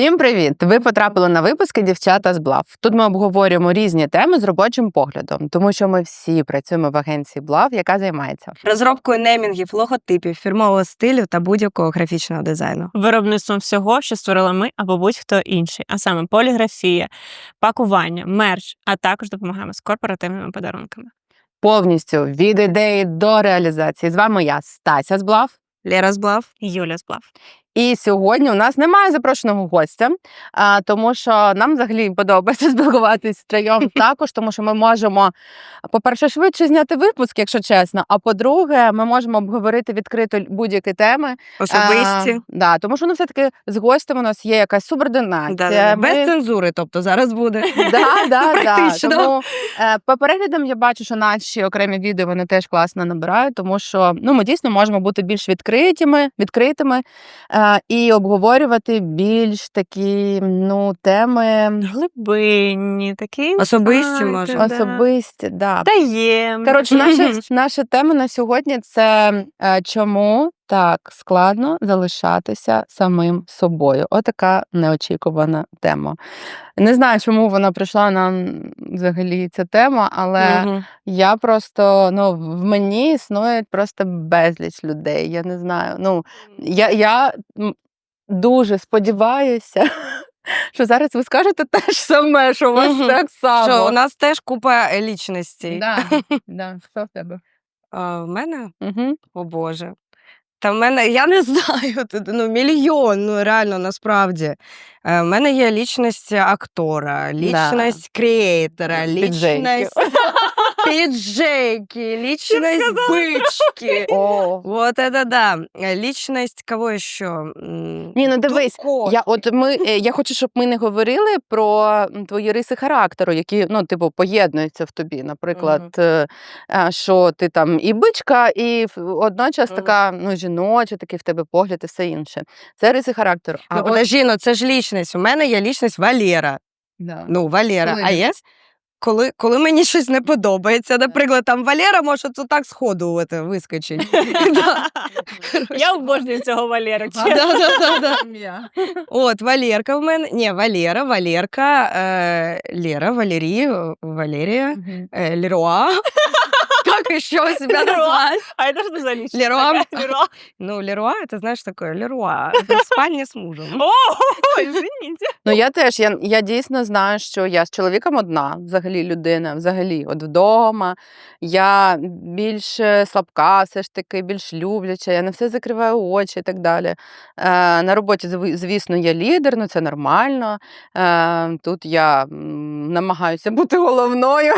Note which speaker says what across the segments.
Speaker 1: Всім привіт! Ви потрапили на випуски «Дівчата з БЛАВ». Тут ми обговорюємо різні теми з робочим поглядом, тому що ми всі працюємо в агенції БЛАВ, яка займається
Speaker 2: розробкою неймінгів, логотипів, фірмового стилю та будь-якого графічного дизайну.
Speaker 3: Виробництвом всього, що створили ми або будь-хто інший, а саме поліграфія, пакування, мерч, а також допомагаємо з корпоративними подарунками.
Speaker 1: повністю від ідеї до реалізації. З вами я, Стася з БЛАВ.
Speaker 2: Лера з БЛАВ.
Speaker 3: Юля з БЛАВ.
Speaker 1: І сьогодні у нас немає запрошеного гостя, тому що нам взагалі подобається спілкуватися втроєм також, тому що ми можемо, по-перше, швидше зняти випуск, якщо чесно, а по-друге, ми можемо обговорити відкрито будь-які теми.
Speaker 2: Особисті.
Speaker 1: Да, тому що все-таки з гостем у нас є якась субординація.
Speaker 2: Без цензури, тобто зараз буде. Практично.
Speaker 1: Тому по переглядам я бачу, що наші окремі відео вони теж класно набирають, тому що ми дійсно можемо бути більш відкритими і обговорювати більш такі теми
Speaker 3: Глибинні, такі
Speaker 2: Особисті, може.
Speaker 1: особисті. Да.
Speaker 3: Таємні.
Speaker 1: Коротше, наша тема на сьогодні – це чому так складно залишатися самим собою. Отака неочікувана тема. Не знаю, чому вона прийшла нам взагалі ця тема, але я просто, в мені існує просто безліч людей. Я не знаю. Я дуже сподіваюся, що зараз ви скажете те ж саме, що у вас так само.
Speaker 2: Що у нас теж купа лічностей.
Speaker 1: Да. Що в тебе?
Speaker 2: В мене?
Speaker 1: Угу.
Speaker 2: О Боже. Та в мене, я не знаю, мільйон, реально, насправді. В мене є лічність актора, лічність креатора, лічність піджейки, лічність бички. Вот это да. Лічність кого ще?
Speaker 1: Ні, дивись, я хочу, щоб ми не говорили про твої риси характеру, які, поєднуються в тобі. Наприклад, що ти там і бичка, і одночас така, жіноча, такий в тебе погляд і все інше. Це риси характеру.
Speaker 2: Подожди, це ж лічність. У мене є лічність Валера.
Speaker 1: Да.
Speaker 2: Валера. А є? Коли мені щось не подобається, наприклад, там Валера може це так сходу вискочить.
Speaker 3: Я обожнюю цього Валера.
Speaker 2: От, Валерка в мене. Ні, Валера, Валерка, Лера, Валерія, Валерія, Леруа. Как еще себя назвать?
Speaker 3: А это что за личность?
Speaker 2: Леруа. Леруа, это, знаешь, такое, Леруа. Спальня с мужем.
Speaker 3: О, извините.
Speaker 1: Я дійсно знаю, що я з чоловіком одна, взагалі людина, от вдома. Я більш слабка, все ж таки, більш любляча, я на все закриваю очі і так далі. На роботі, звісно, я лідер, це нормально. Тут я намагаюся бути головною.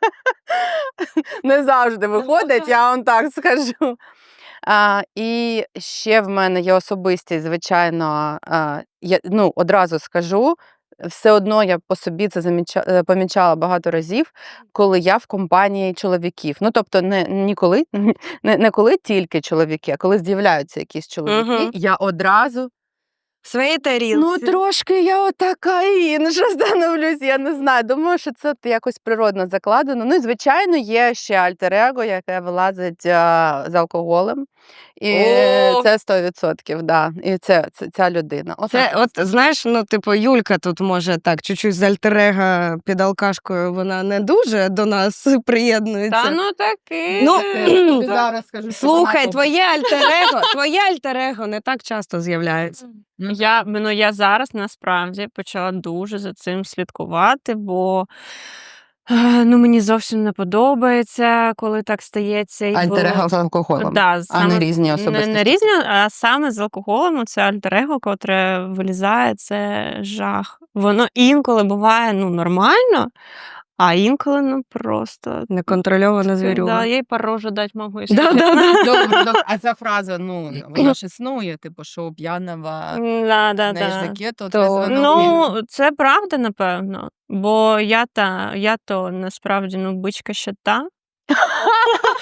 Speaker 1: Не завжди виходить, я вам так скажу. І ще в мене є особистість, звичайно, я одразу скажу, все одно я по собі це помічала багато разів, коли я в компанії чоловіків. Тобто не коли тільки чоловіки, а коли з'являються якісь чоловіки, я одразу
Speaker 2: В своїй тарілці.
Speaker 1: трошки я отака інша становлюсь, я не знаю. Думаю, що це якось природно закладено. І, звичайно, є ще альтер-его, яке вилазить з алкоголем. І це 100%, да. І це ця людина.
Speaker 2: Знаєш, Юлька тут може так, чуть-чуть з альтер-его під алкашкою, вона не дуже до нас приєднується.
Speaker 3: Та таки.
Speaker 1: Зараз скажу,
Speaker 2: Слухай, твоє альтер-его не так часто з'являється.
Speaker 3: Я зараз насправді почала дуже за цим слідкувати, бо мені зовсім не подобається, коли так стається.
Speaker 1: Альтер-его з алкоголем, а не різні особистості.
Speaker 3: Не різні, а саме з алкоголем це альтер-его, котре вилізає, це жах. Воно інколи буває нормально, а інколи просто
Speaker 2: Неконтрольована звірюга.
Speaker 3: Да, я й по рожу дать можу.
Speaker 1: Добре, а ця фраза, вона ж існує, що у п'яного
Speaker 3: Да.
Speaker 1: язике, то
Speaker 3: це правда, напевно. Бо я то насправді бичка ще та.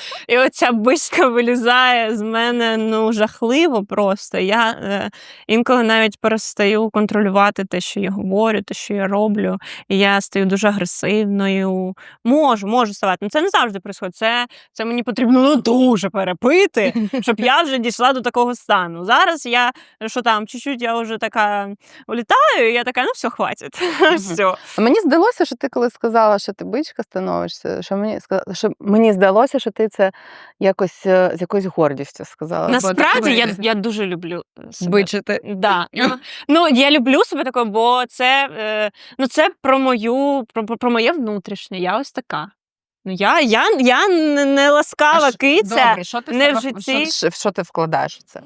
Speaker 3: І оця бичка вилізає з мене, ну, жахливо просто. Я інколи навіть перестаю контролювати те, що я говорю, те, що я роблю. І я стаю дуже агресивною. Можу ставати. Ну, це не завжди відбувається. Це мені потрібно, ну, дуже перепити, щоб я вже дійшла до такого стану. Зараз я, що там, чуть-чуть я вже така улітаю, і я така, ну, все, хватить. Все.
Speaker 1: Мені здалося, що ти коли сказала, що ти бичка становишся, що мені здалося, що ти це якось з якоюсь гордістю сказала.
Speaker 3: Насправді, я дуже люблю себе.
Speaker 2: Бичити.
Speaker 3: Да. Ну, я люблю себе такою, бо це, це про моє внутрішнє. Я ось така. Ну, я не ласкава киця.
Speaker 1: Добре, що ти
Speaker 3: не в житті.
Speaker 1: Що ти вкладаєш в це?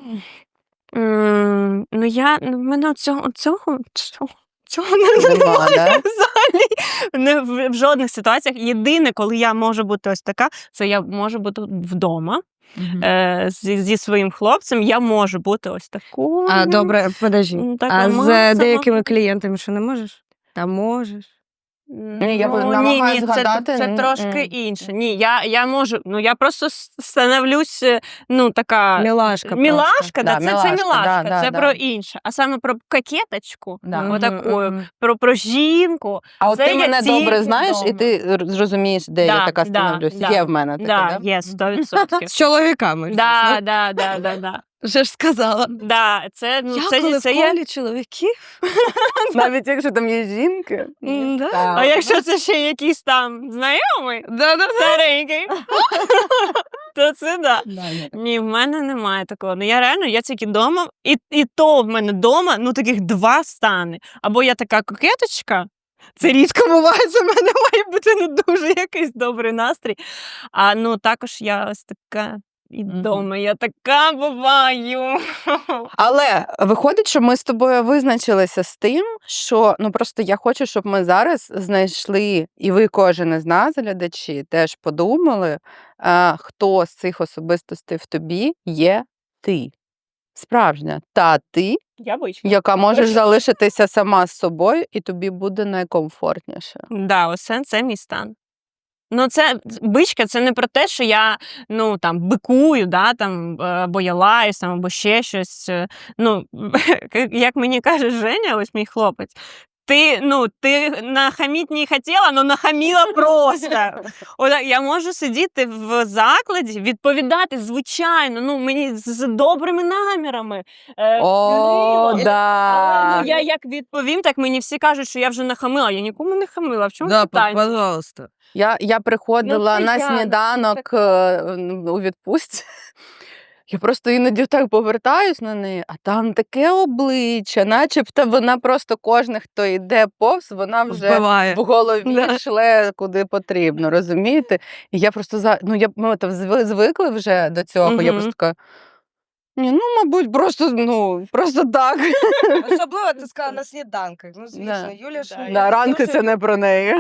Speaker 3: Ну, в мене цього немає
Speaker 1: Нема, да?
Speaker 3: взагалі. В жодних ситуаціях. Єдине, коли я можу бути ось така, це я можу бути вдома. Зі своїм хлопцем я можу бути ось такою.
Speaker 2: А, добре, подожди.
Speaker 3: така
Speaker 2: А з
Speaker 3: мацана.
Speaker 2: деякими клієнтами що не можеш? Та можеш.
Speaker 1: Ні, я намагаюсь згадати.
Speaker 3: Це трошки інше. Ні, я можу, я просто становлюсь, така
Speaker 2: Мілашка.
Speaker 3: мілашка,
Speaker 1: Да,
Speaker 3: це
Speaker 1: мілашка,
Speaker 3: мілашка,
Speaker 1: да,
Speaker 3: це
Speaker 1: да.
Speaker 3: про інше. А саме про кокеточку,
Speaker 1: Да.
Speaker 3: отакою, про жінку.
Speaker 1: А от
Speaker 3: Це
Speaker 1: ти
Speaker 3: я
Speaker 1: мене
Speaker 3: тільки
Speaker 1: добре знаєш, і
Speaker 3: вдома.
Speaker 1: ти зрозумієш, де я така
Speaker 3: Да,
Speaker 1: становлюсь.
Speaker 3: да.
Speaker 1: Є в мене таке,
Speaker 3: Да,
Speaker 1: да?
Speaker 3: є, 100%.
Speaker 2: З чоловіками.
Speaker 3: Да.
Speaker 2: Вже ж сказала.
Speaker 3: Да, це,
Speaker 2: Коли
Speaker 3: це
Speaker 2: в
Speaker 3: є.
Speaker 2: колі чоловіків.
Speaker 1: Навіть якщо там є жінки.
Speaker 2: Да.
Speaker 3: А якщо це ще якийсь там знайомий, старенький, то це да. Ні, в мене немає такого. Ну, я тільки вдома, і то в мене вдома, таких два стани. Або я така кокеточка, це рідко буває, це в мене має бути дуже якийсь добрий настрій. А також я ось така і вдома, я така буваю.
Speaker 1: Але виходить, що ми з тобою визначилися з тим, що просто я хочу, щоб ми зараз знайшли, і ви, кожен із нас, глядачі, теж подумали, хто з цих особистостей в тобі є ти. Справжня та ти,
Speaker 3: Я бичка.
Speaker 1: яка можеш залишитися сама з собою, і тобі буде найкомфортніше.
Speaker 3: Да, ось це мій стан. Це бичка, це не про те, що я бикую, або я лаюсь, або ще щось. Як мені каже Женя, ось мій хлопець, ти нахаміть не хотіла, але нахаміла просто. Я можу сидіти в закладі, відповідати, звичайно, мені з добрими намірами.
Speaker 1: Да.
Speaker 3: Я як відповім, так мені всі кажуть, що я вже нахамила. Я нікому не хамила. В чому питання?
Speaker 2: Пожалуйста.
Speaker 1: Я приходила
Speaker 3: це
Speaker 1: на
Speaker 3: я,
Speaker 1: сніданок у відпустці. Я просто іноді так повертаюсь на неї, а там таке обличчя, начебто вона просто кожен, хто йде повз, вона вже
Speaker 2: Вбиває.
Speaker 1: в голові
Speaker 2: Да.
Speaker 1: шле куди потрібно, розумієте? І я просто ми там звикли вже до цього, я
Speaker 3: Мгм.
Speaker 1: просто така, ні, мабуть, просто так.
Speaker 2: Особливо ти сказала на сніданках. Ну, звісно,
Speaker 1: Да.
Speaker 2: Юля ж...
Speaker 3: Да,
Speaker 1: Ранки це не про неї.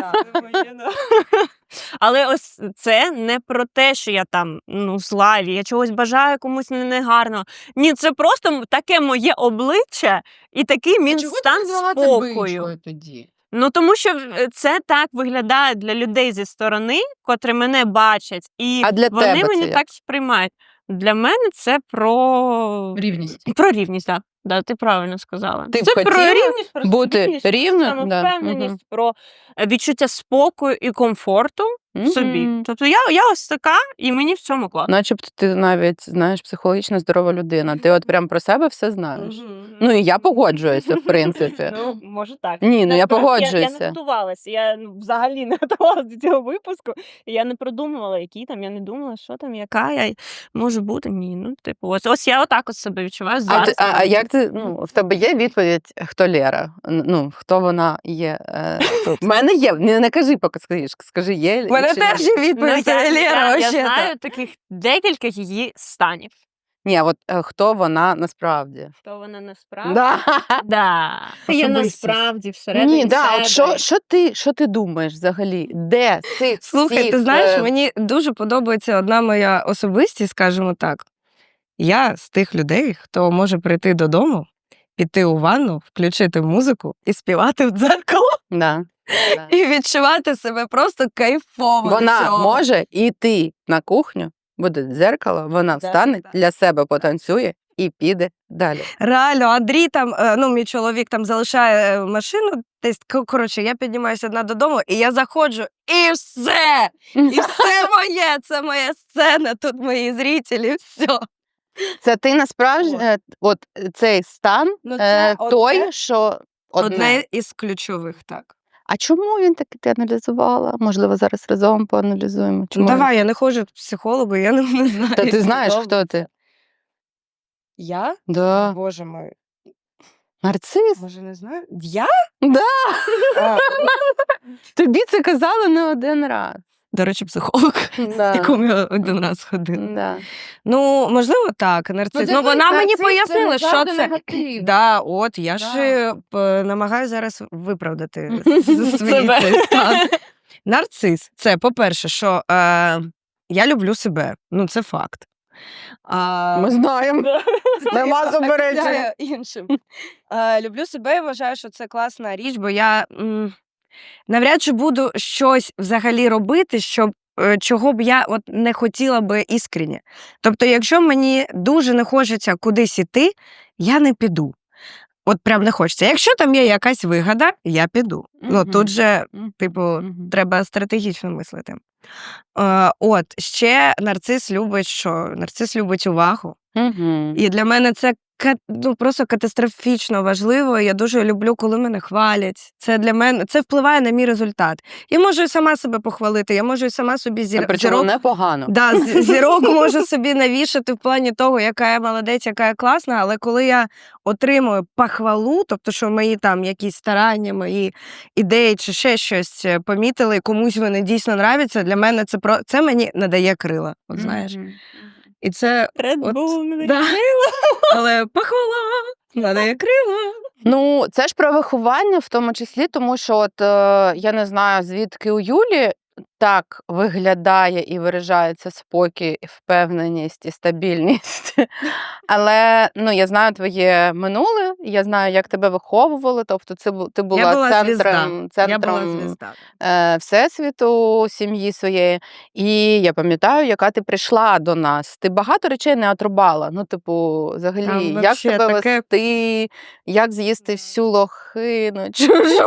Speaker 3: Але ось це не про те, що я там зла, і я чогось бажаю комусь негарно. Ні, це просто таке моє обличчя і такий мій стан спокою.
Speaker 1: тоді?
Speaker 3: Тому що це так виглядає для людей зі сторони, котрі мене бачать, і
Speaker 1: А для
Speaker 3: вони
Speaker 1: тебе
Speaker 3: мені
Speaker 1: це як?
Speaker 3: так сприймають. Для мене це про
Speaker 1: Рівність.
Speaker 3: Про рівність, так. Да, ти правильно сказала.
Speaker 1: Ти б
Speaker 3: це про
Speaker 1: хотіла
Speaker 3: рівність, про
Speaker 1: бути
Speaker 3: стабільність,
Speaker 1: рівною?
Speaker 3: самовпевненість,
Speaker 1: Да.
Speaker 3: про відчуття спокою і комфорту в собі.
Speaker 1: Мгм.
Speaker 3: Тобто я ось така, і мені в цьому класно.
Speaker 1: Начебто ти навіть, знаєш, психологічно здорова людина. Ти от прям про себе все знаєш. Ну і я погоджуюся, в принципі.
Speaker 3: Може так.
Speaker 1: Ні, я
Speaker 3: Я
Speaker 1: погоджуюся.
Speaker 3: не готувалася, я взагалі не готувалася до цього випуску, і я не продумувала, які там, я не думала, що там, яка я можу бути. Ні, ось я отак от себе відчуваю зараз.
Speaker 1: А як ти, в тебе є відповідь, хто Лера? Хто вона є? В мене є, не кажи, поки скажи, є.
Speaker 2: У мене
Speaker 1: чи ні.
Speaker 2: теж є відповідь, Лера,
Speaker 3: я
Speaker 2: вообще-то.
Speaker 3: знаю таких декілька її станів.
Speaker 1: Ні, от хто вона насправді?
Speaker 3: Хто вона насправді?
Speaker 1: Да.
Speaker 3: Да. Я
Speaker 2: Особистість.
Speaker 3: насправді всередині
Speaker 1: Ні, да, от
Speaker 3: себе.
Speaker 1: що ти думаєш взагалі? Де з цих
Speaker 2: Слухай,
Speaker 1: всіх,
Speaker 2: ти знаєш, мені дуже подобається одна моя особистість, скажімо так. Я з тих людей, хто може прийти додому, піти у ванну, включити музику і співати в дзеркало,
Speaker 1: Да.
Speaker 2: і відчувати себе просто кайфово. від
Speaker 1: Вона
Speaker 2: цього.
Speaker 1: може йти на кухню, буде дзеркало, вона
Speaker 2: Да,
Speaker 1: встане,
Speaker 2: да.
Speaker 1: для себе потанцює і піде далі.
Speaker 2: Реально, Андрій там, ну, мій чоловік там залишає машину, десь, коротше, я піднімаюся одна додому, і я заходжу, і все! І все моє, це моя сцена, тут мої зрителі, все.
Speaker 1: Це ти насправді, от цей стан,
Speaker 2: Ну, це
Speaker 1: той,
Speaker 2: одне-
Speaker 1: що одне.
Speaker 2: Одне із ключових, так.
Speaker 1: А чому він таки ти аналізувала? Можливо, зараз разом поаналізуємо.
Speaker 2: Ну,
Speaker 1: Чому
Speaker 2: давай, я не ходжу к психологу, я не знаю.
Speaker 1: Та
Speaker 2: як
Speaker 1: ти
Speaker 2: це
Speaker 1: знаєш, хто
Speaker 2: робиться.
Speaker 1: ти?
Speaker 2: Я?
Speaker 1: Да.
Speaker 2: Боже мой.
Speaker 1: Нарцис?
Speaker 2: Може, не знаю? Я?
Speaker 1: Да.
Speaker 2: А,
Speaker 1: Тобі це казали не один раз.
Speaker 2: до речі, психолог,
Speaker 1: Да.
Speaker 2: якому я один раз ходила.
Speaker 1: Да.
Speaker 2: Ну, можливо, так, нарцис. Ну, вона мені пояснила, що це. Да, от, я ж намагаюся зараз виправдати свій
Speaker 3: Себе.
Speaker 2: цей стан. Нарцис. Це, по-перше, що я люблю себе. Ну, це факт.
Speaker 1: Ми знаємо. Нема заперечень.
Speaker 2: Обіцяю іншим. Люблю себе і вважаю, що це класна річ, бо я навряд чи буду щось взагалі робити, щоб чого б я от не хотіла би іскренне. Тобто, якщо мені дуже не хочеться кудись іти, я не піду. От прям не хочеться. Якщо там є якась вигода, я піду. Ну,
Speaker 1: Мгм.
Speaker 2: тут же, типу,
Speaker 1: Мгм.
Speaker 2: треба стратегічно мислити. От, ще нарцис любить що? Нарцис любить увагу.
Speaker 1: Мгм.
Speaker 2: І для мене це ну, просто катастрофічно важливо. Я дуже люблю, коли мене хвалять. Це для мене це впливає на мій результат. Я можу і сама себе похвалити, я можу і сама собі
Speaker 1: Причому
Speaker 2: зірок.
Speaker 1: непогано.
Speaker 2: Да, зірок можу собі навішати в плані того, яка я молодець, яка я класна, але коли я отримую похвалу, тобто, що мої там якісь старання, мої ідеї чи ще щось помітили, комусь вони дійсно нравляться, для мене це мені надає крила. От знаєш.
Speaker 1: Мгм.
Speaker 2: І це
Speaker 3: Red
Speaker 2: От,
Speaker 3: Bull,
Speaker 2: да. Але похвала надає крила.
Speaker 1: Ну, це ж про виховання в тому числі, тому що от я не знаю, звідки у Юлі так виглядає і виражається спокій, впевненість і стабільність. Але ну, я знаю твоє минуле, я знаю, як тебе виховували. Тобто, ти була
Speaker 2: Я була
Speaker 1: центром,
Speaker 2: Я була звізда.
Speaker 1: всесвіту сім'ї своєї. І я пам'ятаю, яка ти прийшла до нас. Ти багато речей не отрубала. Ну, типу, взагалі,
Speaker 2: Там
Speaker 1: як
Speaker 2: вообще
Speaker 1: себе
Speaker 2: таке-
Speaker 1: вести, як з'їсти всю лохину чужу.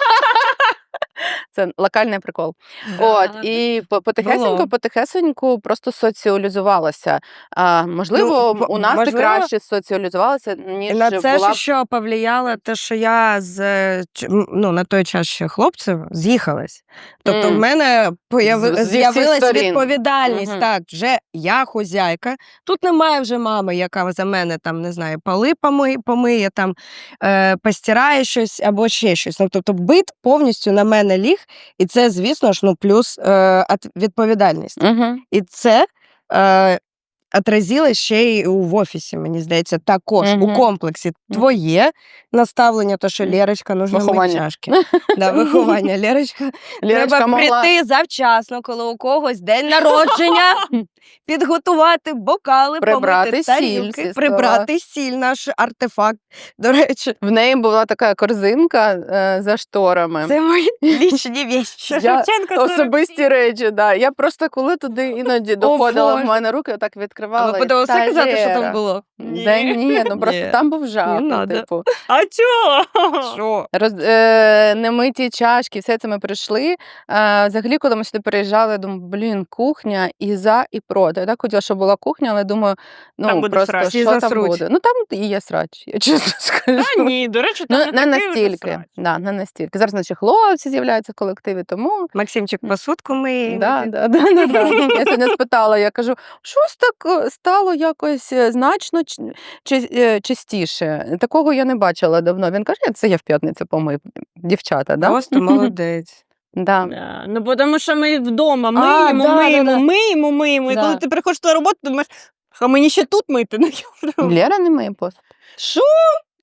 Speaker 1: Це локальний прикол. От, і
Speaker 2: Було.
Speaker 1: потихесеньку просто соціалізувалася. Можливо,
Speaker 2: Ну,
Speaker 1: у нас ти
Speaker 2: можливо.
Speaker 1: краще соціалізувалася, ніж
Speaker 2: І на це
Speaker 1: була
Speaker 2: ж що повлияло, те, що я ну, на той час ще хлопцем з'їхалась. Тобто в мене
Speaker 1: Зі всіх
Speaker 2: з'явилась
Speaker 1: сторін.
Speaker 2: відповідальність.
Speaker 1: Мгм.
Speaker 2: Так, вже я хозяйка. Тут немає вже мами, яка за мене там, не знаю, поли помиє, там, постирає щось або ще щось. Ну, тобто бит повністю на мене ліг, і це, звісно ж, ну, плюс відповідальність.
Speaker 1: Мгм.
Speaker 2: І це отразилось ще й в офісі, мені здається, також у
Speaker 1: Мгм.
Speaker 2: комплексі. Твоє наставлення, то, що Лєрочка, нужно мити
Speaker 1: Виховання.
Speaker 2: чашки. Да, виховання. Лєрочка,
Speaker 1: Лєрочка
Speaker 2: треба
Speaker 1: могла
Speaker 2: прийти завчасно, коли у когось день народження, підготувати бокали,
Speaker 1: Прибрати
Speaker 2: помити
Speaker 1: сіль
Speaker 2: тарілки,
Speaker 1: зі стола.
Speaker 2: прибрати сіль, наш артефакт. До речі,
Speaker 1: В неї була така корзинка за шторами.
Speaker 2: це мої лічні вещі.
Speaker 1: Я
Speaker 3: Шевченко 47.
Speaker 1: особисті речі, да. Я просто коли туди іноді доходила в
Speaker 2: Боже.
Speaker 1: мене руки, отак
Speaker 2: А
Speaker 1: відкривала.
Speaker 2: ви
Speaker 1: і,
Speaker 2: будемо все
Speaker 1: «Та,
Speaker 2: казати, що
Speaker 1: Лєра».
Speaker 2: там було?
Speaker 1: Да ні, ну просто
Speaker 2: Ні.
Speaker 1: там був жах.
Speaker 2: Не
Speaker 1: ну,
Speaker 2: надо.
Speaker 1: типу.
Speaker 3: А чого?
Speaker 2: Що?
Speaker 1: Немиті чашки, все це ми прийшли. Взагалі, коли ми сюди переїжджали, я думаю, блін, кухня і за, і проти. Я так хотіла, щоб була кухня, але думаю, ну
Speaker 3: Там буде
Speaker 1: просто
Speaker 3: срач.
Speaker 2: Всі
Speaker 1: що там
Speaker 2: засруть.
Speaker 1: буде. Ну там і є срач, я чесно скажу.
Speaker 3: Та ні, до речі, там
Speaker 1: Ну, не
Speaker 3: такий вже
Speaker 1: настільки.
Speaker 3: срач.
Speaker 1: Да, не настільки. Зараз наші хлопці з'являються в колективі, тому
Speaker 2: Максимчик посудку миє.
Speaker 1: да. Я сьогодні спитала, я кажу, щось так стало якось значно частіше. Такого я не бачила давно. Він каже, це я в п'ятницю помив. Дівчата, да?
Speaker 2: Просто молодець.
Speaker 1: Да.
Speaker 3: Да. Ну, бо тому що ми вдома
Speaker 1: А,
Speaker 3: миємо,
Speaker 1: да,
Speaker 3: миємо,
Speaker 1: да, да.
Speaker 3: миємо, миємо. І
Speaker 1: Да.
Speaker 3: коли ти приходиш на роботу, ти думаєш, а мені ще тут мити? Ну,
Speaker 1: Лєра не миє посуд.
Speaker 2: Що?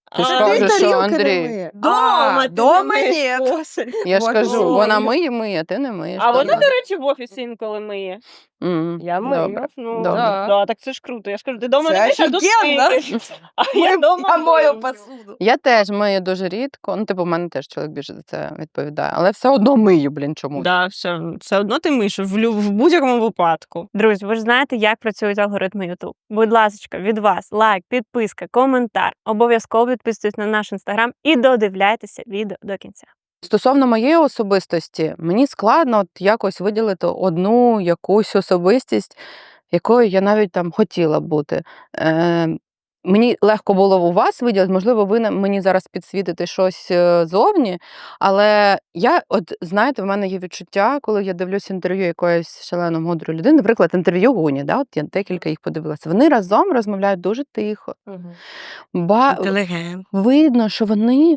Speaker 1: Ти ж
Speaker 3: А,
Speaker 1: кажеш,
Speaker 2: Ти
Speaker 1: що
Speaker 2: тарілки не
Speaker 1: Андрій.
Speaker 2: миє.
Speaker 3: Дома ти
Speaker 2: дома
Speaker 3: не
Speaker 2: ні.
Speaker 3: миєш посуд.
Speaker 1: Я ж
Speaker 2: Вот
Speaker 1: кажу,
Speaker 2: ой.
Speaker 1: вона миє, ти не миєш.
Speaker 3: А вона,
Speaker 1: добре.
Speaker 3: до речі, в офісі інколи миє.
Speaker 2: Я мию.
Speaker 1: Добре.
Speaker 3: Ну,
Speaker 1: Добре.
Speaker 2: Да.
Speaker 3: так це ж круто. Я ж кажу, ти дома
Speaker 2: Це
Speaker 3: не миєш, а тут
Speaker 2: офігенно.
Speaker 3: миєш. А я дома
Speaker 2: Я мою
Speaker 3: мию.
Speaker 2: посуду.
Speaker 1: Я теж мию дуже рідко. Ну, типу, в мене теж чоловік більше за це відповідає. Але все одно мию, блін, чому?
Speaker 3: Да, все одно ти миєш в будь-якому випадку. Друзі, ви ж знаєте, як працюють алгоритми YouTube. Будь ласка, від вас лайк, підписка, коментар. Обов'язково підписуйтесь на наш інстаграм і додивляйтеся відео до кінця.
Speaker 1: Стосовно моєї особистості, мені складно от якось виділити одну якусь особистість, якою я навіть там хотіла б бути. Мені легко було у вас виділити, можливо, ви мені зараз підсвітите щось зовні, але я, от знаєте, в мене є відчуття, коли я дивлюсь інтерв'ю якоїсь шалено мудрої людини, наприклад, інтерв'ю Гуні, да, от я декілька їх подивилася. Вони разом розмовляють дуже тихо.
Speaker 2: Інтелігент.
Speaker 1: Видно, що вони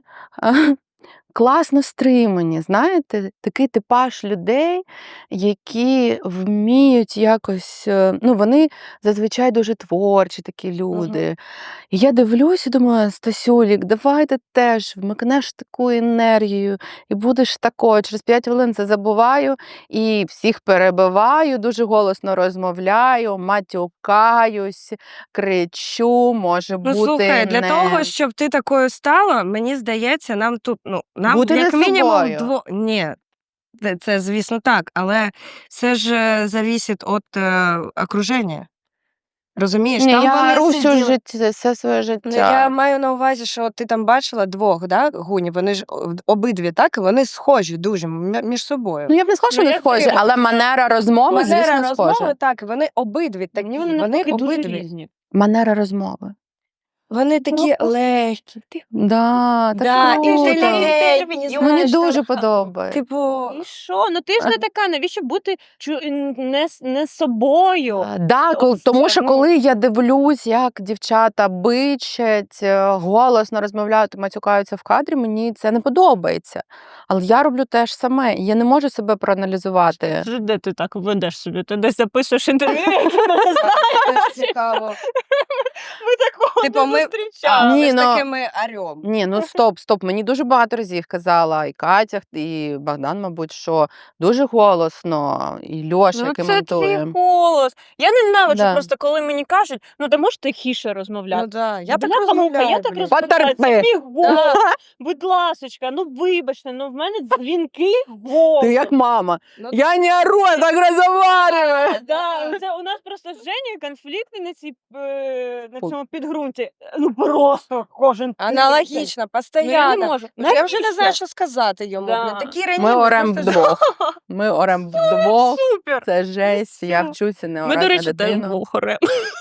Speaker 1: класно стримані, знаєте, такий типаж людей, які вміють якось, ну, вони зазвичай дуже творчі такі люди. І я дивлюсь і думаю, Стасюлік, давай ти теж вмикнеш таку енергію і будеш такою. Через 5 хвилин це забуваю і всіх перебиваю, дуже голосно розмовляю, матюкаюсь, кричу, може
Speaker 2: Ну,
Speaker 1: бути
Speaker 2: слухай, для
Speaker 1: не...
Speaker 2: того, щоб ти такою стала, мені здається, нам тут, нам
Speaker 1: Бути
Speaker 2: як
Speaker 1: не
Speaker 2: мінімум
Speaker 1: собою.
Speaker 2: Ні, це, звісно, так, але це ж завісить від окруження. Розумієш,
Speaker 1: Ні,
Speaker 2: там
Speaker 1: я
Speaker 2: вони
Speaker 1: ору всю
Speaker 2: сиділи.
Speaker 1: життя, все своє життя.
Speaker 2: Ну, я маю на увазі, що ти там бачила двох, да, гунів, вони ж обидві, так, і вони схожі дуже між собою.
Speaker 1: Ну, я б не сказала, що
Speaker 3: Ну,
Speaker 1: не
Speaker 3: я
Speaker 1: схожі,
Speaker 3: скажу,
Speaker 1: але манера розмови,
Speaker 2: Манера
Speaker 1: звісно,
Speaker 2: розмови,
Speaker 1: схожа.
Speaker 2: так, вони обидві такі,
Speaker 3: Мені вони
Speaker 2: вони
Speaker 3: навпаки дуже
Speaker 2: обидві.
Speaker 3: різні.
Speaker 1: Манера розмови.
Speaker 2: Вони такі легкі,
Speaker 1: Да, так
Speaker 2: да,
Speaker 1: круто.
Speaker 2: інтелігентні,
Speaker 1: Мені
Speaker 2: знаєш,
Speaker 1: дуже
Speaker 2: так,
Speaker 1: подобається.
Speaker 2: типу,
Speaker 3: І що? Ну ти ж не така, навіщо бути не собою?
Speaker 1: Да,
Speaker 3: Ось
Speaker 1: тому
Speaker 3: це,
Speaker 1: що
Speaker 3: ну.
Speaker 1: коли я дивлюсь, як дівчата бичать, голосно розмовляють, матюкаються в кадрі, мені це не подобається. Але я роблю те ж саме, і я не можу себе проаналізувати.
Speaker 3: Де ти так ведеш собі? Ти десь записуєш інтерв'ю, яке не знаєш?
Speaker 2: цікаво.
Speaker 3: Ми такого
Speaker 2: Типу,
Speaker 3: не
Speaker 2: ми-
Speaker 3: зустрічали.
Speaker 1: Ні,
Speaker 2: Це ж
Speaker 1: ну-
Speaker 2: таки ми орем.
Speaker 1: Ні, ну стоп. Мені дуже багато разів казала і Катя, і Богдан, мабуть, що дуже голосно, і Льоша,
Speaker 3: Ну
Speaker 1: який
Speaker 3: це твій
Speaker 1: монтує.
Speaker 3: голос. Я ненавиджу
Speaker 1: Да.
Speaker 3: просто, коли мені кажуть, ну ти можеш тихіше розмовляти.
Speaker 2: Ну да, я так
Speaker 3: Бляха-муха,
Speaker 2: розмовляю.
Speaker 3: я так
Speaker 2: блін.
Speaker 3: розмовляю, це
Speaker 1: Потерпи.
Speaker 3: мій голос. Будь ласочка, ну вибачте, ну в мене дзвінкий голос.
Speaker 1: Ти як мама.
Speaker 2: Ну,
Speaker 1: Я не ору, я так розмовляю.
Speaker 3: Да, це у нас просто з Женєю конфлікти на цьому підґрунті. Ну просто кожен тиждень.
Speaker 2: Аналогічно,
Speaker 3: Ну, я
Speaker 2: постійно.
Speaker 3: не можу.
Speaker 2: Я вже не знаю,
Speaker 3: Навіщо?
Speaker 2: що сказати йому.
Speaker 3: Да.
Speaker 2: Блін, такі раніше.
Speaker 1: Ми орем вдвох. Ми орем вдвох.
Speaker 3: Супер.
Speaker 1: Це жесть, я
Speaker 3: Все.
Speaker 1: вчуся не
Speaker 3: Ми,
Speaker 1: орати
Speaker 3: до
Speaker 1: на
Speaker 3: речі, теж
Speaker 1: дитину.
Speaker 3: двох орем.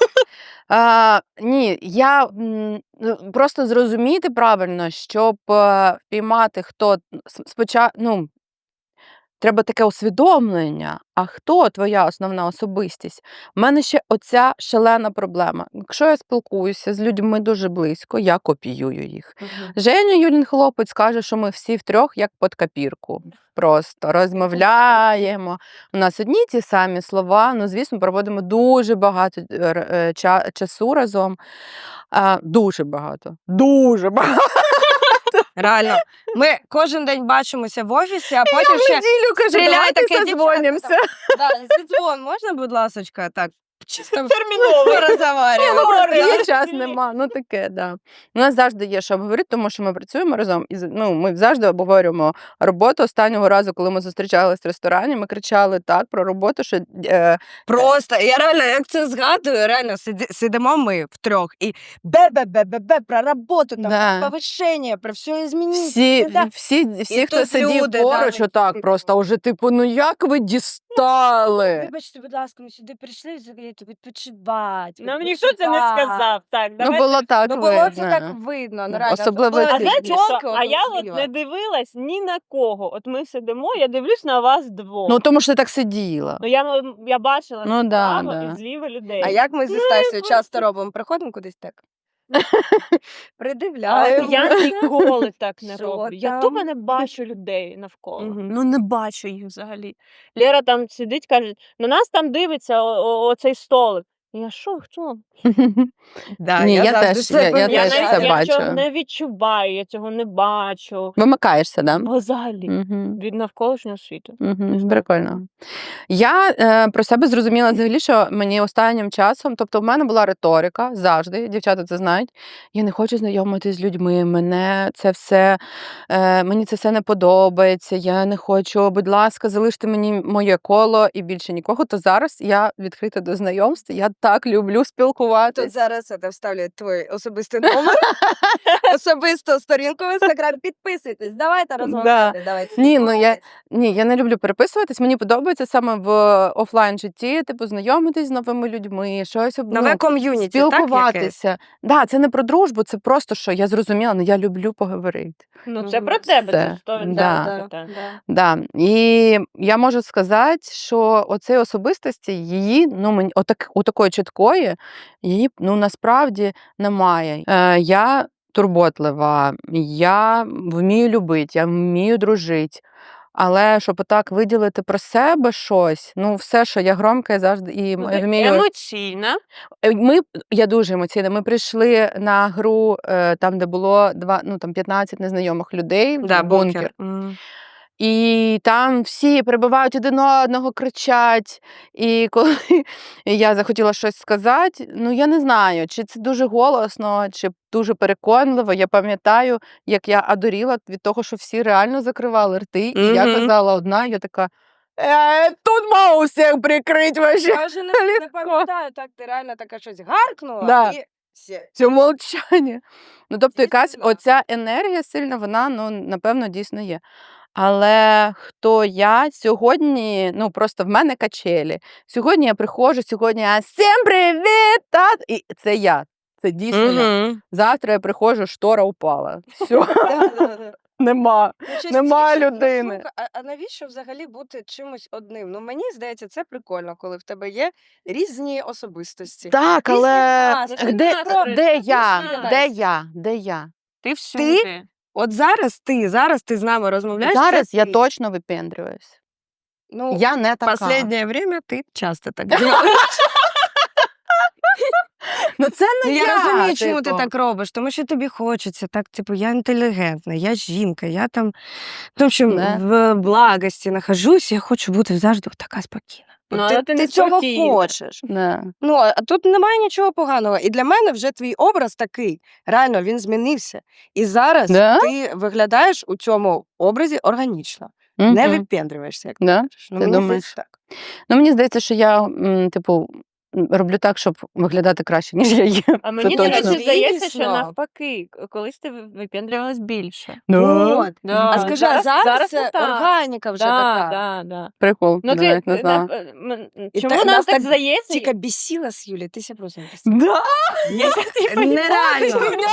Speaker 1: Ні, я просто зрозуміти правильно, щоб впіймати, хто спочатку, треба таке усвідомлення, а хто твоя основна особистість? У мене ще оця шалена проблема. Якщо я спілкуюся з людьми дуже близько, я копіюю їх. Женя Юлін хлопець каже, що ми всі втрьох як під копірку. Просто розмовляємо. У нас одні ті самі слова, ну, звісно, проводимо дуже багато часу разом. Дуже багато. Дуже багато.
Speaker 2: Реально. Ми кожен день бачимося в офісі, а потім ще
Speaker 1: неділю кажу,
Speaker 2: стріляй
Speaker 1: давайте
Speaker 2: таке,
Speaker 1: созвонимося.
Speaker 2: зідзвон, можна, будь ласочка, так, чисто
Speaker 3: Терміново.
Speaker 2: порозговорюємо.
Speaker 1: Є час, нема, ну таке, да. У нас завжди є що обговорити, тому що ми працюємо разом, і ми завжди обговорюємо роботу. Останнього разу, коли ми зустрічались в ресторані, ми кричали так про роботу, що
Speaker 2: Просто, я реально, як це згадую, реально сидимо ми втрьох і бе-бе-бе-бе-бе про роботу, там,
Speaker 1: Да.
Speaker 2: про повищення, про все змінити.
Speaker 1: всі, хто
Speaker 2: тут
Speaker 1: сидів
Speaker 2: люди,
Speaker 1: поруч,
Speaker 2: да,
Speaker 1: отак
Speaker 2: такі,
Speaker 1: просто уже, типу, ну як ви дістали?
Speaker 2: Вибачте, будь ласка, ми сюди прийшли відпочивати.
Speaker 3: Нам ніхто це не сказав. Так,
Speaker 1: Ну
Speaker 3: давайте.
Speaker 1: було так
Speaker 2: Ну, було це
Speaker 1: видно.
Speaker 2: так видно, ну, реально.
Speaker 1: Особливо
Speaker 2: Була
Speaker 3: А
Speaker 1: ті-
Speaker 3: знаєте
Speaker 2: тільки
Speaker 3: що? А я от не дивилась ні на кого. От ми сидимо, я дивлюсь на вас двох.
Speaker 1: Ну тому що ти так сиділа.
Speaker 3: Ну, я бачила
Speaker 1: Ну, да,
Speaker 3: справа
Speaker 1: да.
Speaker 3: і зліва людей.
Speaker 2: А як ми зі
Speaker 3: Ну,
Speaker 2: Стасією
Speaker 3: просто-
Speaker 2: часто робимо? Приходимо кудись так.
Speaker 3: А
Speaker 2: Придивляємо.
Speaker 3: я ніколи так не
Speaker 2: Що
Speaker 3: роблю. Я
Speaker 2: там?
Speaker 3: тупо не бачу людей навколо.
Speaker 2: Мгм.
Speaker 3: Ну не бачу їх взагалі. Лера там сидить, каже, на нас там дивиться оцей столик. Я що, хто?
Speaker 2: Да,
Speaker 1: Ні, я
Speaker 2: завжди
Speaker 1: теж-
Speaker 2: себе
Speaker 1: я
Speaker 3: Я,
Speaker 1: теж
Speaker 2: помічаю.
Speaker 1: це
Speaker 3: навіть, я цього
Speaker 1: бачу.
Speaker 3: не відчуваю, я цього не бачу.
Speaker 1: Вимикаєшся, да?
Speaker 3: Взагалі.
Speaker 1: Мгм.
Speaker 3: Від навколишнього світу.
Speaker 1: Мгм.
Speaker 3: Не знаю.
Speaker 1: Прикольно. Я про себе зрозуміла взагалі, що мені останнім часом, тобто в мене була риторика завжди, дівчата це знають. Я не хочу знайомитись з людьми, мені це все не подобається. Я не хочу, будь ласка, залиште мені моє коло і більше нікого. То зараз я відкрита до знайомств. Я так люблю
Speaker 2: Тут
Speaker 1: спілкуватись.
Speaker 2: зараз це вставлять твій особистий номер, особисту сторінку в Інстаграм. Підписуйтесь, давайте розмовляти, давайте
Speaker 1: Ні,
Speaker 2: спілкуватись.
Speaker 1: Ні, я не люблю переписуватись. Мені подобається саме в офлайн житті, типу, знайомитись з новими людьми, щось
Speaker 2: Нове ком'юніті, так, яке?
Speaker 1: спілкуватися. Да, це не про дружбу, це просто що я зрозуміла, ну я люблю поговорити.
Speaker 3: Ну, це
Speaker 2: Мгм.
Speaker 3: про тебе,
Speaker 1: Все.
Speaker 3: це 100%.
Speaker 1: Да.
Speaker 3: Так.
Speaker 1: Да. І я можу сказати, що оцей особистості її, ну мені у такої чіткої, її ну насправді немає. Я турботлива, я вмію любити, я вмію дружити. Але щоб отак виділити про себе щось, ну все, що я громка, я завжди і
Speaker 3: Ну, ти
Speaker 1: вмію.
Speaker 3: емоційна.
Speaker 1: Я дуже емоційна. Ми прийшли на гру, там, де було 15 незнайомих людей,
Speaker 2: Да,
Speaker 1: бункер.
Speaker 2: Мгм.
Speaker 1: І там всі перебивають один одного, кричать. І коли я захотіла щось сказати, ну я не знаю, чи це дуже голосно, чи дуже переконливо. Я пам'ятаю, як я одуріла від того, що всі реально закривали рти, і я
Speaker 2: Мгм.
Speaker 1: казала одна, я така. Тут мав усіх прикрить вообще.
Speaker 2: Я вже не пам'ятаю, так ти реально така щось гаркнула
Speaker 1: Да.
Speaker 2: і все.
Speaker 1: Це мовчання. Ну, тобто, якась
Speaker 2: Тишина.
Speaker 1: оця енергія сильна, вона, ну, напевно, дійсно є. Але хто я сьогодні, ну, просто в мене качелі. Сьогодні я приходжу, сьогодні я «Всім привіт!» І це я. Це дійсно я.
Speaker 2: Мгм.
Speaker 1: Завтра я приходжу, штора упала. Все,
Speaker 2: Да.
Speaker 1: нема.
Speaker 2: Ну,
Speaker 1: Нема
Speaker 2: частіше, ну,
Speaker 1: людини.
Speaker 2: слухай, а навіщо взагалі бути чимось одним? Ну, мені здається, це прикольно, коли в тебе є різні особистості.
Speaker 1: Так,
Speaker 2: Різні
Speaker 1: але
Speaker 2: настрої.
Speaker 1: де
Speaker 3: настрої,
Speaker 1: я?
Speaker 3: різні
Speaker 1: Де я?
Speaker 3: Ти всюди.
Speaker 2: От зараз ти з нами розмовляєш.
Speaker 1: Зараз
Speaker 2: це
Speaker 1: я
Speaker 2: ти.
Speaker 1: точно випендрююсь.
Speaker 2: Ну,
Speaker 1: Я не така.
Speaker 2: Последнее время ти часто так робиш.
Speaker 1: Ну це не
Speaker 2: Ну, я розумію, чому ти
Speaker 1: типу.
Speaker 2: так робиш, тому що тобі хочеться, так, типу, я інтелігентна, я жінка, я там, тому що
Speaker 1: Не.
Speaker 2: в благості нахожусь, я хочу бути завжди така спокійна.
Speaker 3: Ну,
Speaker 2: От
Speaker 3: але ти не
Speaker 2: цього
Speaker 3: спокійна.
Speaker 2: хочеш.
Speaker 1: Не.
Speaker 2: Ну, а тут немає нічого поганого. І для мене вже твій образ такий. Реально, він змінився. І зараз
Speaker 1: Да?
Speaker 2: ти виглядаєш у цьому образі органічно. Не
Speaker 1: Мгм.
Speaker 2: випендрюєшся, як
Speaker 1: Да?
Speaker 2: ти кажеш. Ну,
Speaker 1: Ти
Speaker 2: мені
Speaker 1: думаєш?
Speaker 2: здається, так.
Speaker 1: Ну, мені здається, що я, типу, роблю так, щоб виглядати краще, ніж я є.
Speaker 3: А мені,
Speaker 1: Це
Speaker 3: до
Speaker 1: точно.
Speaker 3: речі, здається, що
Speaker 2: Звісно.
Speaker 3: навпаки, колись ти випендрювалась більше.
Speaker 2: От.
Speaker 3: Да.
Speaker 2: А скажи, а зараз
Speaker 3: не
Speaker 2: це
Speaker 3: так.
Speaker 2: органіка вже така.
Speaker 3: Да.
Speaker 1: Прикол,
Speaker 3: Ну,
Speaker 1: я навіть не знала.
Speaker 2: І
Speaker 3: чому
Speaker 2: та-
Speaker 3: нам
Speaker 2: нас
Speaker 3: так
Speaker 2: так
Speaker 3: здається?
Speaker 2: Тільки бісіла з Юлі, ти ся просто бісила.
Speaker 1: Да?
Speaker 2: Нереально.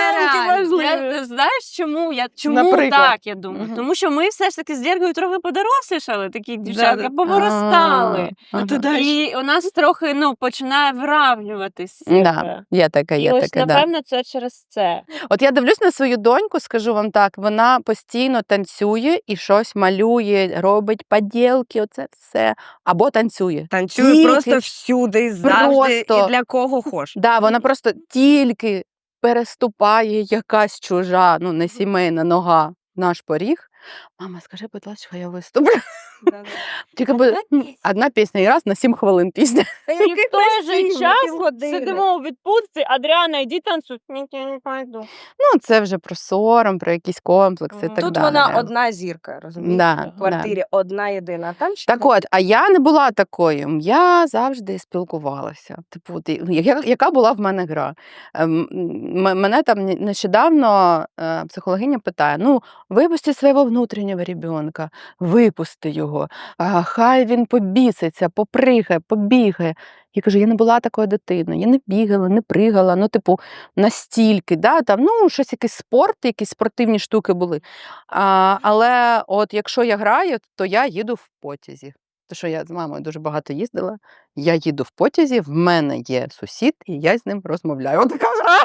Speaker 3: Я, знаєш, чому
Speaker 1: Наприклад.
Speaker 3: так, я думаю?
Speaker 1: Мгм.
Speaker 3: Тому що ми все ж таки з Діргою трохи подорослішали, такі дівчатка,
Speaker 2: Да-да.
Speaker 3: повиростали.
Speaker 1: Ага.
Speaker 2: ти далі.
Speaker 3: І у нас трохи починає виравнюватись.
Speaker 1: Да, є таке,
Speaker 3: І
Speaker 1: є
Speaker 3: ось,
Speaker 1: таке, да.
Speaker 3: напевно, це через це.
Speaker 1: От я дивлюсь на свою доньку, скажу вам так, вона постійно танцює і щось малює, робить поділки, оце все. Або танцює.
Speaker 2: Танцює
Speaker 1: Тільки-
Speaker 2: просто всюди, завжди,
Speaker 1: Просто.
Speaker 2: і для кого хоч.
Speaker 1: Да, вона просто тільки переступає якась чужа, ну не сімейна нога в наш поріг. Мама, скажи, будь ласка, я виступлю. Тільки буде одна пісня і раз на 7 хвилин пісня.
Speaker 3: І в той же час сидимо у відпустці, Адріана, йди танцюй. Ні, я не пойду.
Speaker 1: Ну, це вже про сором, про якісь комплекси і
Speaker 3: Мгм.
Speaker 1: так
Speaker 2: Тут
Speaker 1: далі.
Speaker 2: вона одна зірка, розумієш?
Speaker 1: Да,
Speaker 2: В квартирі одна єдина. А там ще
Speaker 1: Так от, а я не була такою. Я завжди спілкувалася. Типу, яка була в мене гра? Мене там нещодавно психологиня питає: ну, випусти свого внутрішнього ребенка, випусти його, хай він побіситься, попригає, побігає. Я кажу, я не була такою дитиною, я не бігала, не пригала, ну, типу, настільки, да, там, ну, щось, якийсь спорт, якісь спортивні штуки були. Але от якщо я граю, то я їду в потязі. Тому що я з мамою дуже багато їздила, я їду в потязі, в мене є сусід, і я з ним розмовляю. От така гра.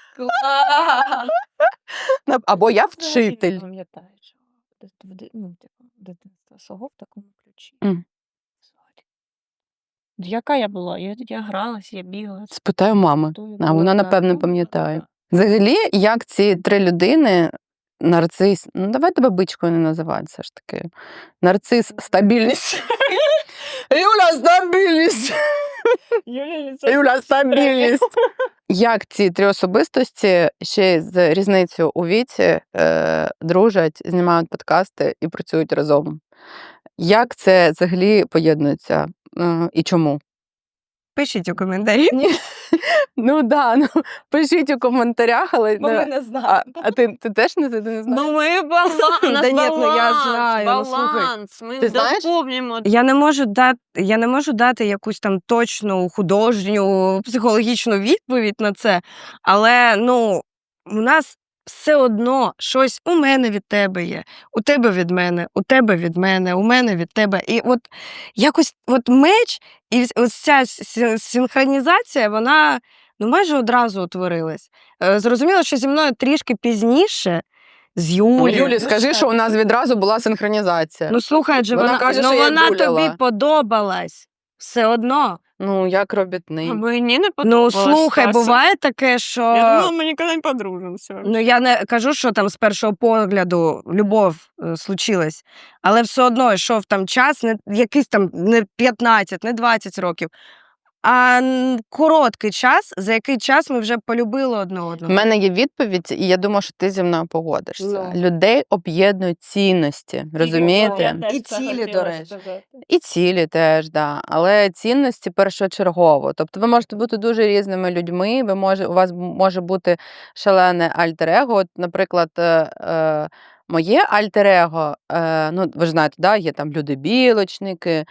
Speaker 1: Або я вчитель.
Speaker 3: Я пам'ятаю, що дитинство свого в такому ключі.
Speaker 1: Мгм.
Speaker 3: Яка я була? Я гралась, я бігала.
Speaker 1: Спитаю мами.
Speaker 3: Хто я
Speaker 1: А
Speaker 3: була?
Speaker 1: вона,
Speaker 3: Так,
Speaker 1: напевно,
Speaker 3: ну,
Speaker 1: пам'ятає.
Speaker 3: так.
Speaker 1: Взагалі, як ці 3 людини, нарцис, ну давай тебе бичкою не називати все ж таки. Нарцис, стабільність. Юля, стабільність! Юля, стабільність! Як ці 3 особистості ще й з різницею у віці дружать, знімають подкасти і працюють разом? Як це взагалі поєднується і чому?
Speaker 2: Пишіть у коментарі.
Speaker 1: Ну да, ну пишіть у коментарях, але
Speaker 2: Бо ми не знаємо.
Speaker 1: а ти теж не знаєш?
Speaker 3: Ну, ми баланс, у нас
Speaker 2: Да ні, ну, я
Speaker 3: баланс,
Speaker 2: знаю, ну, слухай.
Speaker 3: баланс. Ми
Speaker 1: Ти знаєш?
Speaker 3: доповнюємо.
Speaker 2: Я не можу дати якусь там точну художню, психологічну відповідь на це, але, ну, у нас все одно щось у мене від тебе є, у тебе від мене, у тебе від мене, у мене від тебе. І от якось от меч і ось ця синхронізація, вона, ну, майже одразу утворилась. Зрозуміло, що зі мною трішки пізніше, з Юлією.
Speaker 1: Юлі, скажи, що у нас відразу була синхронізація.
Speaker 2: Ну, слухай, адже
Speaker 1: Вона
Speaker 2: вона,
Speaker 1: каже,
Speaker 2: ну,
Speaker 1: що я
Speaker 2: вона
Speaker 1: буляла.
Speaker 2: тобі подобалась. Все одно.
Speaker 1: Ну, як робітний.
Speaker 3: А мені не
Speaker 2: Ну,
Speaker 3: подобалось.
Speaker 2: слухай,
Speaker 3: Стася.
Speaker 2: буває таке, що...
Speaker 3: Я думала, ми ніколи не подружимося.
Speaker 2: Ну, я не кажу, що там з першого погляду любов случилась, але все одно йшов там час, не якийсь там не 15, не 20 років, а короткий час, за який час ми вже полюбили одне
Speaker 1: У
Speaker 2: одного.
Speaker 1: мене є відповідь, і я думаю, що ти зі мною погодишся.
Speaker 2: Ну.
Speaker 1: Людей об'єднують цінності, розумієте?
Speaker 2: І цілі, до речі.
Speaker 1: І цілі теж, да. Але цінності першочергово. Тобто ви можете бути дуже різними людьми, у вас може бути шалене альтер-его. От, наприклад, моє альтер-его, ну, ви ж знаєте, да, є там люди-білочники,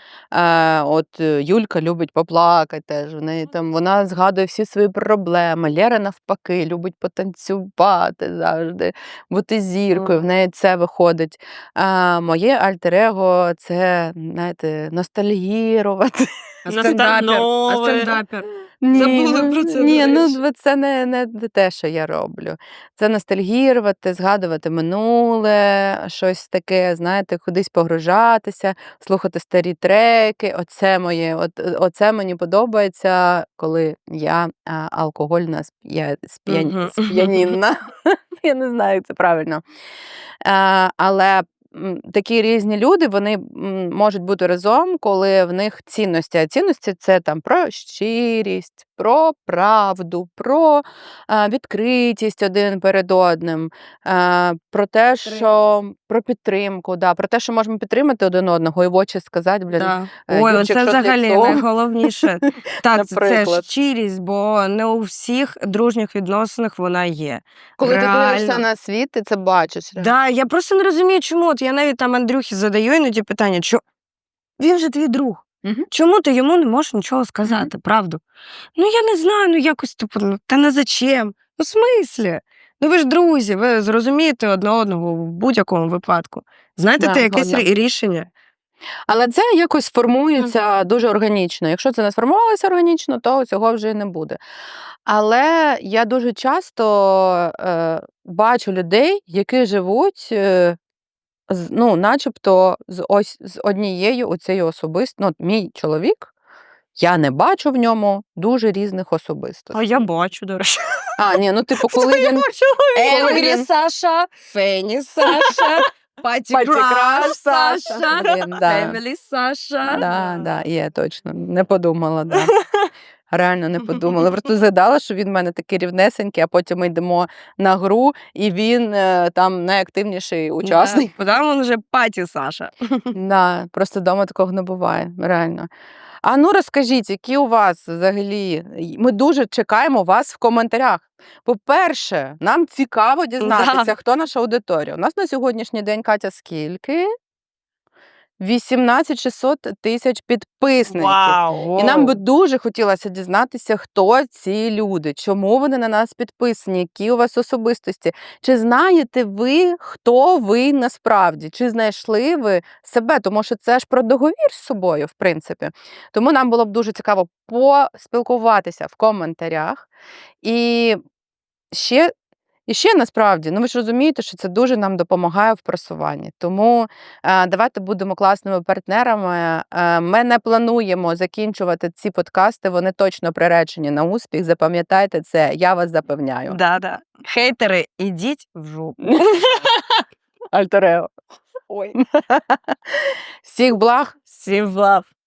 Speaker 1: Юлька любить поплакати теж, вона згадує всі свої проблеми, Лера навпаки любить потанцювати завжди, бути зіркою, в неї це виходить. Моє альтер-его – це, знаєте, ностальгірувати.
Speaker 2: А стендапер. Забули про це,
Speaker 1: Ні,
Speaker 2: до речі.
Speaker 1: ну це не те, що я роблю. Це ностальгірувати, згадувати минуле, щось таке, знаєте, кудись погружатися, слухати старі треки. Оце мені подобається, коли я алкогольна сп'янінна. Я не знаю, як це правильно. Але такі різні люди, вони можуть бути разом, коли в них цінності. А цінності – це там про щирість, про правду, про відкритість один перед одним, про те, що про підтримку, да, про те, що можемо підтримати один одного і в очі сказати,
Speaker 2: Да. Ой,
Speaker 1: Юрчик,
Speaker 2: це
Speaker 1: що з
Speaker 2: взагалі
Speaker 1: ліцом?
Speaker 2: найголовніше. Так, це
Speaker 1: Наприклад.
Speaker 2: щирість, бо не у всіх дружніх відносинах вона є.
Speaker 1: Коли ти дивишся
Speaker 2: Реально.
Speaker 1: на світ, ти це бачиш.
Speaker 2: Да, я просто не розумію, чому. От я навіть там Андрюхі задаю іноді питання, він же твій друг.
Speaker 1: Мгм.
Speaker 2: Чому ти йому не можеш нічого сказати, правду? Ну, я не знаю, ну якось та не зачем. Ну, в смислі? Ну, ви ж друзі, ви зрозумієте одне одного в будь-якому випадку. Знайдете
Speaker 1: Да,
Speaker 2: якесь
Speaker 1: згодна.
Speaker 2: рішення.
Speaker 1: Але це якось формується дуже органічно. Якщо це не сформувалося органічно, то цього вже не буде. Але я дуже часто бачу людей, які живуть начебто з однією оцею особистістю. От мій чоловік, я не бачу в ньому дуже різних особистостей.
Speaker 3: А я бачу, до речі.
Speaker 1: Ні, ну типу, коли він...
Speaker 2: Енгрі Саша, Фені Саша, Паті
Speaker 1: Паті
Speaker 2: Краш
Speaker 1: Краш
Speaker 2: Саша,
Speaker 1: Саша. Блін, да.
Speaker 2: Фемілі Саша.
Speaker 1: Да, є, точно. Не подумала, да. Реально не подумала. Просто згадала, що він в мене такий рівнесенький, а потім ми йдемо на гру, і він там найактивніший учасник.
Speaker 2: Потім він вже Паті Саша.
Speaker 1: Да, просто вдома такого не буває, реально. А ну розкажіть, які у вас взагалі? Ми дуже чекаємо вас в коментарях. По-перше, нам цікаво дізнатися, хто наша аудиторія. У нас на сьогоднішній день, Катя, скільки? 18 600 тисяч підписників.
Speaker 3: Вау!
Speaker 1: І нам би дуже хотілося дізнатися, хто ці люди, чому вони на нас підписані, які у вас особистості. Чи знаєте ви, хто ви насправді? Чи знайшли ви себе? Тому що це ж про договір з собою, в принципі. Тому нам було б дуже цікаво поспілкуватися в коментарях. І ще І ще насправді, ви ж розумієте, що це дуже нам допомагає в просуванні. Тому давайте будемо класними партнерами. Ми не плануємо закінчувати ці подкасти, вони точно приречені на успіх. Запам'ятайте це, я вас запевняю.
Speaker 2: Да. Хейтери, ідіть в жопу.
Speaker 1: Альтерео.
Speaker 2: Ой.
Speaker 1: Всіх благ.
Speaker 3: Всім лав.